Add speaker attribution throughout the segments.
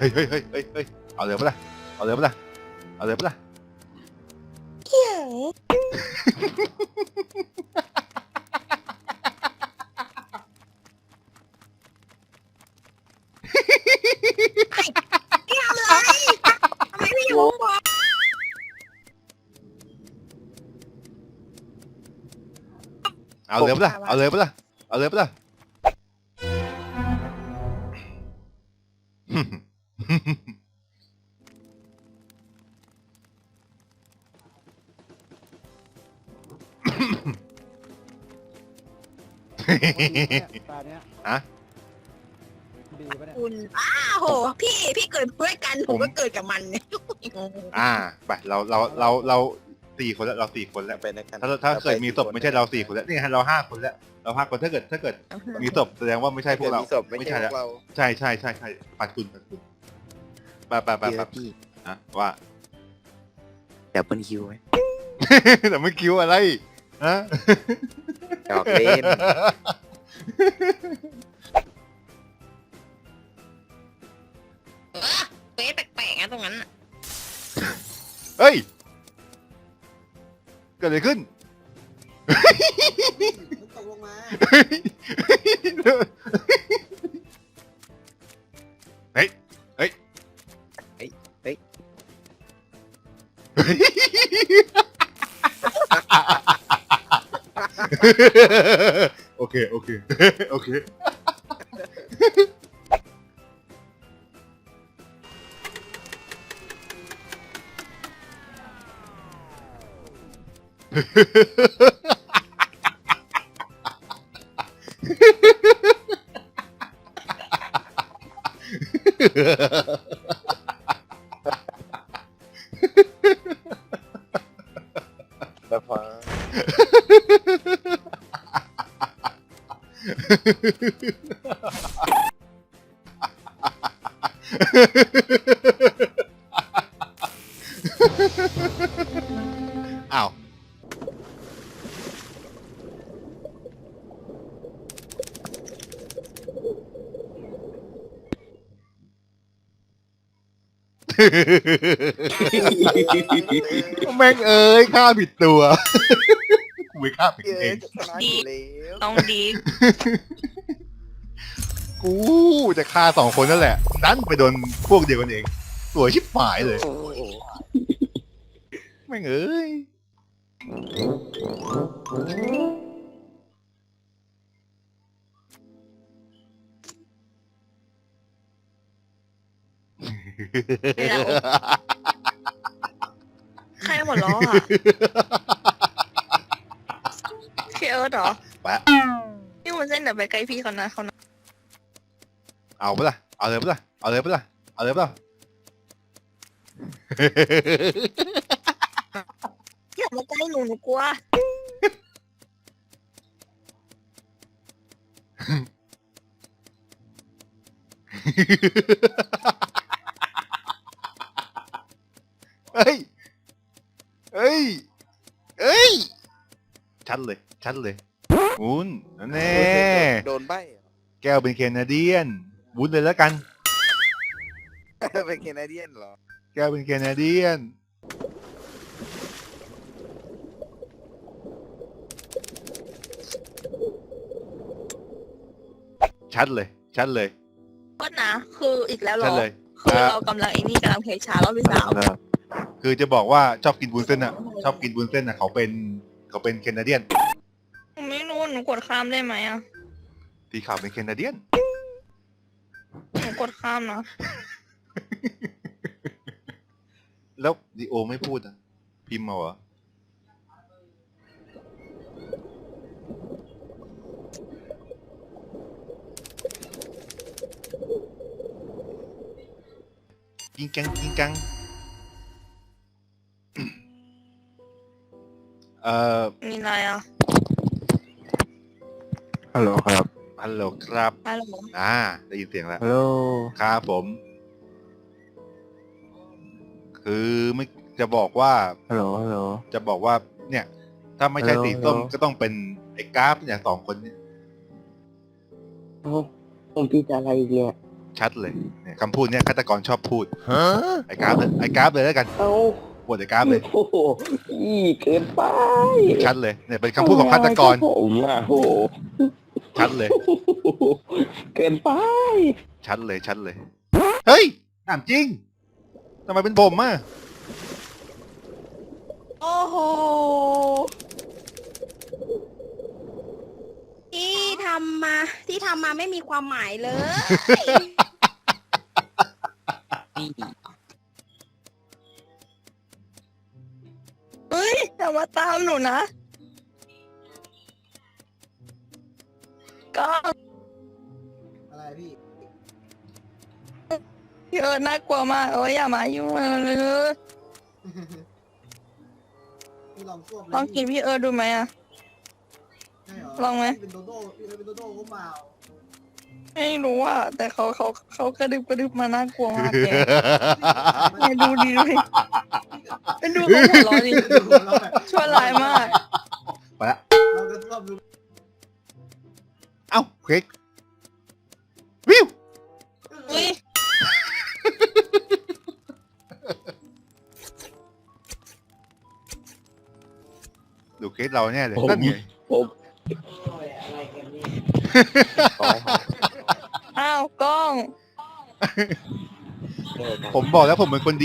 Speaker 1: ฮ้ยเฮ้ยเฮ้ยเฮ้ยเฮ้ยเอาเลยปะล่ะเอาเลยปะล่ะเอาเลยปะล่ะ
Speaker 2: เกี่ยวเกี่ยวเลยทำไมไม่อยู่วะ
Speaker 1: เอาเลยปะล่ะเอาเลยปะล่ะเอาเลยปะล่ะ
Speaker 3: ตาเนี้ย
Speaker 1: อะ
Speaker 3: ดีปะเนี่ย
Speaker 2: คุณอ้าวโหพี่เกิดด้วยกันผมก็เกิดกับมันเนี่ย
Speaker 1: ไปเราสี่คนแล้วเราสี่คนแล้ว
Speaker 4: ไปนะกัน
Speaker 1: ถ้าเกิดมีศพไม่ใช่เราสี่คนแล้วนี่ฮะเราห้าคนแล้วเราห้าคนถ้าเกิดมีศพแสดงว่าไม่ใช่พวกเรา
Speaker 4: มีศพไม่
Speaker 1: ไม่
Speaker 4: ใช่
Speaker 1: ใช่
Speaker 4: พ
Speaker 1: แล้ว
Speaker 4: วกเรา
Speaker 1: ใช่ปัดคุณไป
Speaker 4: เดี๋ยวพี่
Speaker 1: อะว่า
Speaker 4: ดับเบิลคิวไหม
Speaker 1: แต่ไม่คิวอะไรฮะ
Speaker 4: หยอกเล่น
Speaker 2: เป๊ะแปลกๆนะตรงนั้นน่ะ
Speaker 1: เฮ้ยเกิดอะไรขึ้น
Speaker 3: ตกลงมา
Speaker 1: เฮ้ยเฮ้ยโอเคโอเค
Speaker 4: แล้วพอ
Speaker 1: อ้าวแม่งเอ้ยฆ่าผิดตัวกูไปฆ่าผิด
Speaker 4: เย
Speaker 1: เอ
Speaker 4: อะ
Speaker 1: ง
Speaker 4: จะชนะอยู่แล้ว
Speaker 2: ต้องดี
Speaker 1: กูจะฆ่าสองคนนั่นแหละดันไปโดนพวกเดียวกันเองสวยชิบหายเลย
Speaker 4: โอ้โห
Speaker 1: แม่งเอ้ย
Speaker 2: ใครหัวล้ออ่ะพี่เอิร์ธเหรอ
Speaker 1: แปะ
Speaker 2: พี่วุ้นเส้นเดี๋ยวไปใกล้พี่เขานะเขานะ
Speaker 1: เอาปะล่ะเอาเลยปะล่ะเอาเลยปะล่ะเอาเลยปะล่ะ
Speaker 2: อย่ามาใกล้หนูกลัว
Speaker 1: เฮ้ยเฮ้ยเฮ้ยชัดเลยวุ้นนั่นแน่
Speaker 4: โดนใบเหรอ
Speaker 1: แก้วเป็นแคนาเดียนวุ้นเลยแล้วกัน
Speaker 4: เป็นแคนาเดียนเหรอ
Speaker 1: แก้วเป็นแคนาเดียนชัดเลย
Speaker 2: ก็นะคืออีกแล้วเหร
Speaker 1: ชัด
Speaker 2: อ
Speaker 1: เลย
Speaker 2: คือเรากำลังไอ้นี่กำลังเพลชารอบที่สาม
Speaker 1: คือจะบอกว่าชอบกินวุ้นเส้นอ่ะชอบกินวุ้นเส้นอ่ะเขาเป็นแคนาเดียน
Speaker 2: หนูไม่รู้หนูกดข้ามได้ไหมอ่ะ
Speaker 1: สีขาวเป็นแคนาเดียน
Speaker 2: หนูกดข้ามนะ
Speaker 1: แล้วดีโอไม่พูดอ่ะพิมพ์มาเหรอกิงกัง
Speaker 2: มีอะไรอ่ะ
Speaker 4: ฮัลโหลครับ
Speaker 1: ฮัลโหลครับ
Speaker 2: ฮัลโหล
Speaker 1: ได้ยินเสียงแล้ว
Speaker 4: ฮัลโหล
Speaker 1: ครับผมคือไม่จะบอกว่า
Speaker 4: ฮัลโหล
Speaker 1: จะบอกว่า เนี่ย ถ้าไม่ใช่
Speaker 4: ฮัลโหล
Speaker 1: สีส้ม
Speaker 4: ฮัลโหล
Speaker 1: ก็ต้องเป็นไอ้กราฟเนี่ยสองคนเนี่ย
Speaker 5: ผมผิดอะไรอีกเนี่ย
Speaker 1: ชัดเลยเนี่ยคำพูดเนี่ยฆาตกรชอบพูดไอ้กราฟเลยไอ้กราฟเลยแล้วกัน
Speaker 5: เอา
Speaker 1: ปวดไอ้กราฟเลย
Speaker 5: โอ้โหอีเกินไป
Speaker 1: ชัดเลยเนี่ยเป็นคำพูดของฆาตกร
Speaker 5: ผมอ่ะโอ้โห
Speaker 1: ชัดเลย
Speaker 5: เกินไป
Speaker 1: ชัดเลยชัดเลยเฮ้ยถามจริงทำไมเป็นผมอ่ะ
Speaker 2: โอ้โหที่ทำมาไม่มีความหมายเลย เฮ้ยอย่ามาตามหนูนะก็
Speaker 3: อะไรพี่
Speaker 2: พี่เอิร์ธน่ากลัวมากอย่ามายุ่งเลย
Speaker 3: พี่ลองควบเลย
Speaker 2: ลองกินพี่เอิร์ธดูไหมอะ
Speaker 3: ใช่เหร
Speaker 2: ลองไหม
Speaker 3: พี่เป็นโดโด้พี่เป็นโดโด้ก็เปล่า
Speaker 2: ไม่รู้อ่ะแต่เขากระดึบมาน่ากลัวมากแกเนี่ยดูดิเป็นดูเขาหัวเร้อนดิ
Speaker 3: เราแบบ
Speaker 2: ชั่วร้ายมาก
Speaker 1: ไปละ
Speaker 3: เราจะควบดู
Speaker 1: เอ้าเค้กวิว
Speaker 2: อุ้ย
Speaker 1: ดูเค้กเราแน่เลย
Speaker 5: ผม
Speaker 1: นั่นไง
Speaker 5: ผม
Speaker 3: อะไรกันนี่
Speaker 2: อ้าวกล้อง
Speaker 1: ผมบอกแล้วผมเป็นคนดี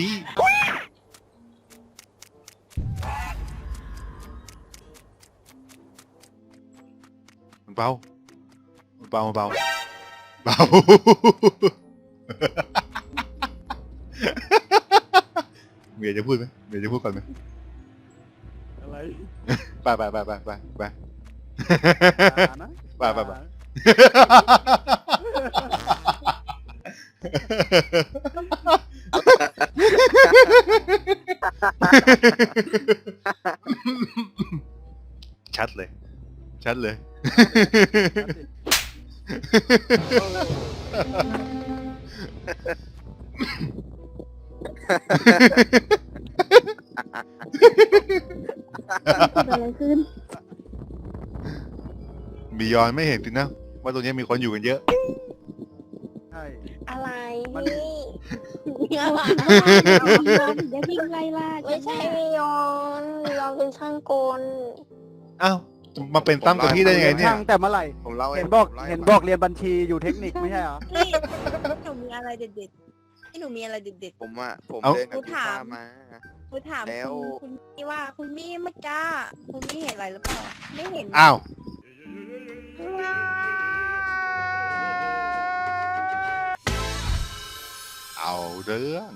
Speaker 1: มันเบามันเบามันเบาเบา เมียจะพูดไหมเมียจะพูดก่อนไหม
Speaker 3: อะไร
Speaker 1: ไปไปไปไปไปไป
Speaker 3: นะ
Speaker 1: ไปไปไป ชัดเลย ชัดเลย
Speaker 6: อะไรขึ้น
Speaker 1: มียอนไม่เห็นสินะ ว่าตรงนี้มีคนอยู่กันเยอะ
Speaker 3: ใช่
Speaker 6: อะไร
Speaker 3: มัน
Speaker 6: พี่อย่าพิงไล่ล่า
Speaker 2: ไม่ใช่ยอนยอนเป็นช่างกล
Speaker 1: อ้าว มาเป็นตั้มกับพี่ได้ยังไงเนี่ย
Speaker 3: ช่างแต่เมื่อไหร่
Speaker 4: ผมเล่าให้
Speaker 3: เห็นบอก
Speaker 4: ผมล่าให้
Speaker 3: เห็น
Speaker 4: ฟัง
Speaker 3: บอกเรียนบัญชีอยู่เทคนิคไม่ใช่เหรอ
Speaker 2: พี่หนูมีอะไรเด็ดๆพี่หนูมีอะไรเด็ด
Speaker 4: ผมอะผม
Speaker 1: เอ้า
Speaker 4: เดินกับพี่
Speaker 2: กูถา
Speaker 4: ฟ้าม มา
Speaker 2: ๆคุณถาม
Speaker 4: แล้ว
Speaker 2: คุณมี่ว่าคุณมี่เมื่อกี้คุณมี่เห็นอะไรหรือเปล่าไม่เห็น
Speaker 1: อ้าว เอาเรื่อง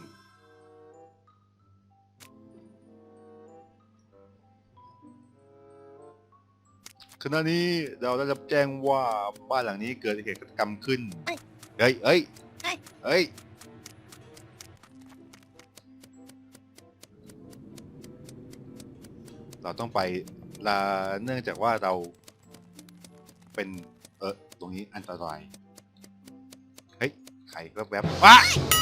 Speaker 1: ขณะนี้เราได้รับแจ้งว่าบ้านหลังนี้เกิดเหตุฆาตกรรมขึ้น เฮ้ย เฮ้ย เฮ้ย เราต้องไปเนื่องจากว่าเราเป็น ตรงนี้อันตราย เฮ้ย ไข่แวบๆว้า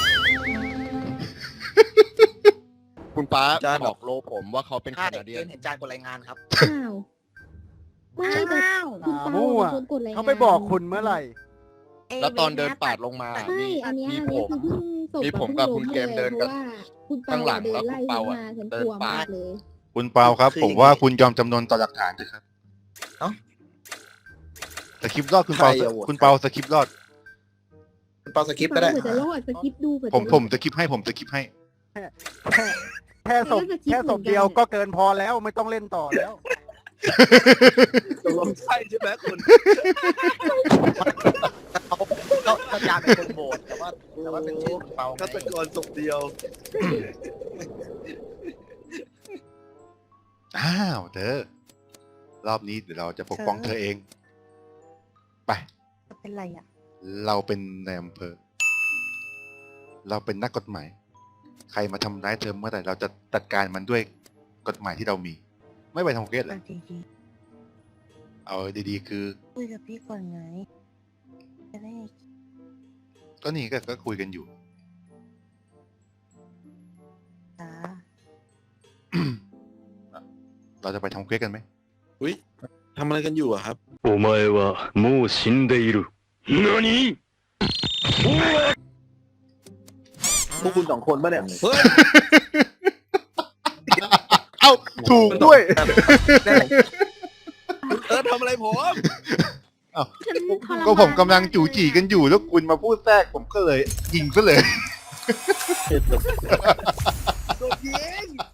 Speaker 7: คุณป้า
Speaker 4: จาน
Speaker 7: บอกโลผมว่าเขาเป็นแคนาเดียน
Speaker 4: เห็นจานกดรายงานครับ
Speaker 6: อ้าวไม่แต่
Speaker 2: อ้าว
Speaker 6: คุณเปา
Speaker 3: มั่ว
Speaker 6: เป็นคนกดรายงาน
Speaker 3: เขาไปบอกคุณเมื่อไหร่
Speaker 7: แล้วตอนเดินปาดลงมา
Speaker 6: ใช่อันเนี้ย
Speaker 7: มี
Speaker 6: อัน
Speaker 7: ผ
Speaker 6: เนี้ย
Speaker 7: ม
Speaker 6: คือเพิ่งส่ง
Speaker 7: มีผมกับคุณเกมเดิน
Speaker 6: เพ
Speaker 7: กัน
Speaker 6: ราะว่าคุณเปา
Speaker 7: ข้างหลัง
Speaker 6: เดิ
Speaker 7: แล้ว
Speaker 6: นไล่
Speaker 7: คุณเปา
Speaker 6: ฉัน
Speaker 7: อะ
Speaker 6: มาฉัน
Speaker 7: เดิ
Speaker 6: ก
Speaker 7: น
Speaker 6: ลัว
Speaker 7: ปาด
Speaker 6: มากเลย
Speaker 1: คุณเปาครับ
Speaker 4: คือ
Speaker 1: ผมว่าคุณยอมจำนนต่อหลักฐานเถอะครับ
Speaker 4: เอ้า
Speaker 1: สคริปต์รอดคุณเปา
Speaker 4: ใครอะโหวต
Speaker 1: คุณเปาสคริปต์รอด
Speaker 4: เปาสคริปต์ก็ได้
Speaker 6: เผื่อจะรอดสกิปดูเผื่อ
Speaker 1: ผม
Speaker 6: จะรอด
Speaker 1: ผมสคริปต์ให้ผมสคริปต์ให้
Speaker 3: แค่ศพ
Speaker 6: ไม่ได้จะคิด
Speaker 3: แค่ศพ
Speaker 6: เหมือนกัน
Speaker 3: เดียวก็เกินพอแล้วไม่ต้องเล่นต่อแล้ว
Speaker 4: ตกลงใช่ใช่ไหมคุณ
Speaker 8: ก็จานเป็นคนโบสแต่ว่าเป็นชื่อเปาไง
Speaker 4: ฆาตกรศพเดียว
Speaker 1: อ้าวเธอ รอบนี้เดี๋ยวเราจะปกป้องเธอเอง ไป
Speaker 2: เป็นไรอ่ะ
Speaker 1: เราเป็นนายอำเภอ เราเป็นนักกฎหมาย ใครมาทำร้ายเธอเมื่อไหร่เราจะจัดการมันด้วยกฎหมายที่เรามี ไม่ไปทำเกสเลย
Speaker 2: ดี
Speaker 1: เอาดีๆ คือ
Speaker 2: ๆคุยกับพี่ก่อนไงจะได้
Speaker 1: ก็นี่ก็คุยกันอยู่
Speaker 2: จ้า
Speaker 1: เราจะไปทำเควสกันไหม
Speaker 4: ทำอะไรกันอยู่อะครับ
Speaker 9: お前はもう死んでいる。何
Speaker 5: พวกคุณสองคนปะเนี่ย
Speaker 4: เฮ้ย
Speaker 1: เอ้าถูกด้วย
Speaker 4: ทำอะไรผม
Speaker 6: ฉันทรมาน
Speaker 1: ก็ผมกำลังจู่จีกันอยู่แล้วคุณมาพูดแทรกผมก็เลยยิงซะเลย
Speaker 4: โดนยิง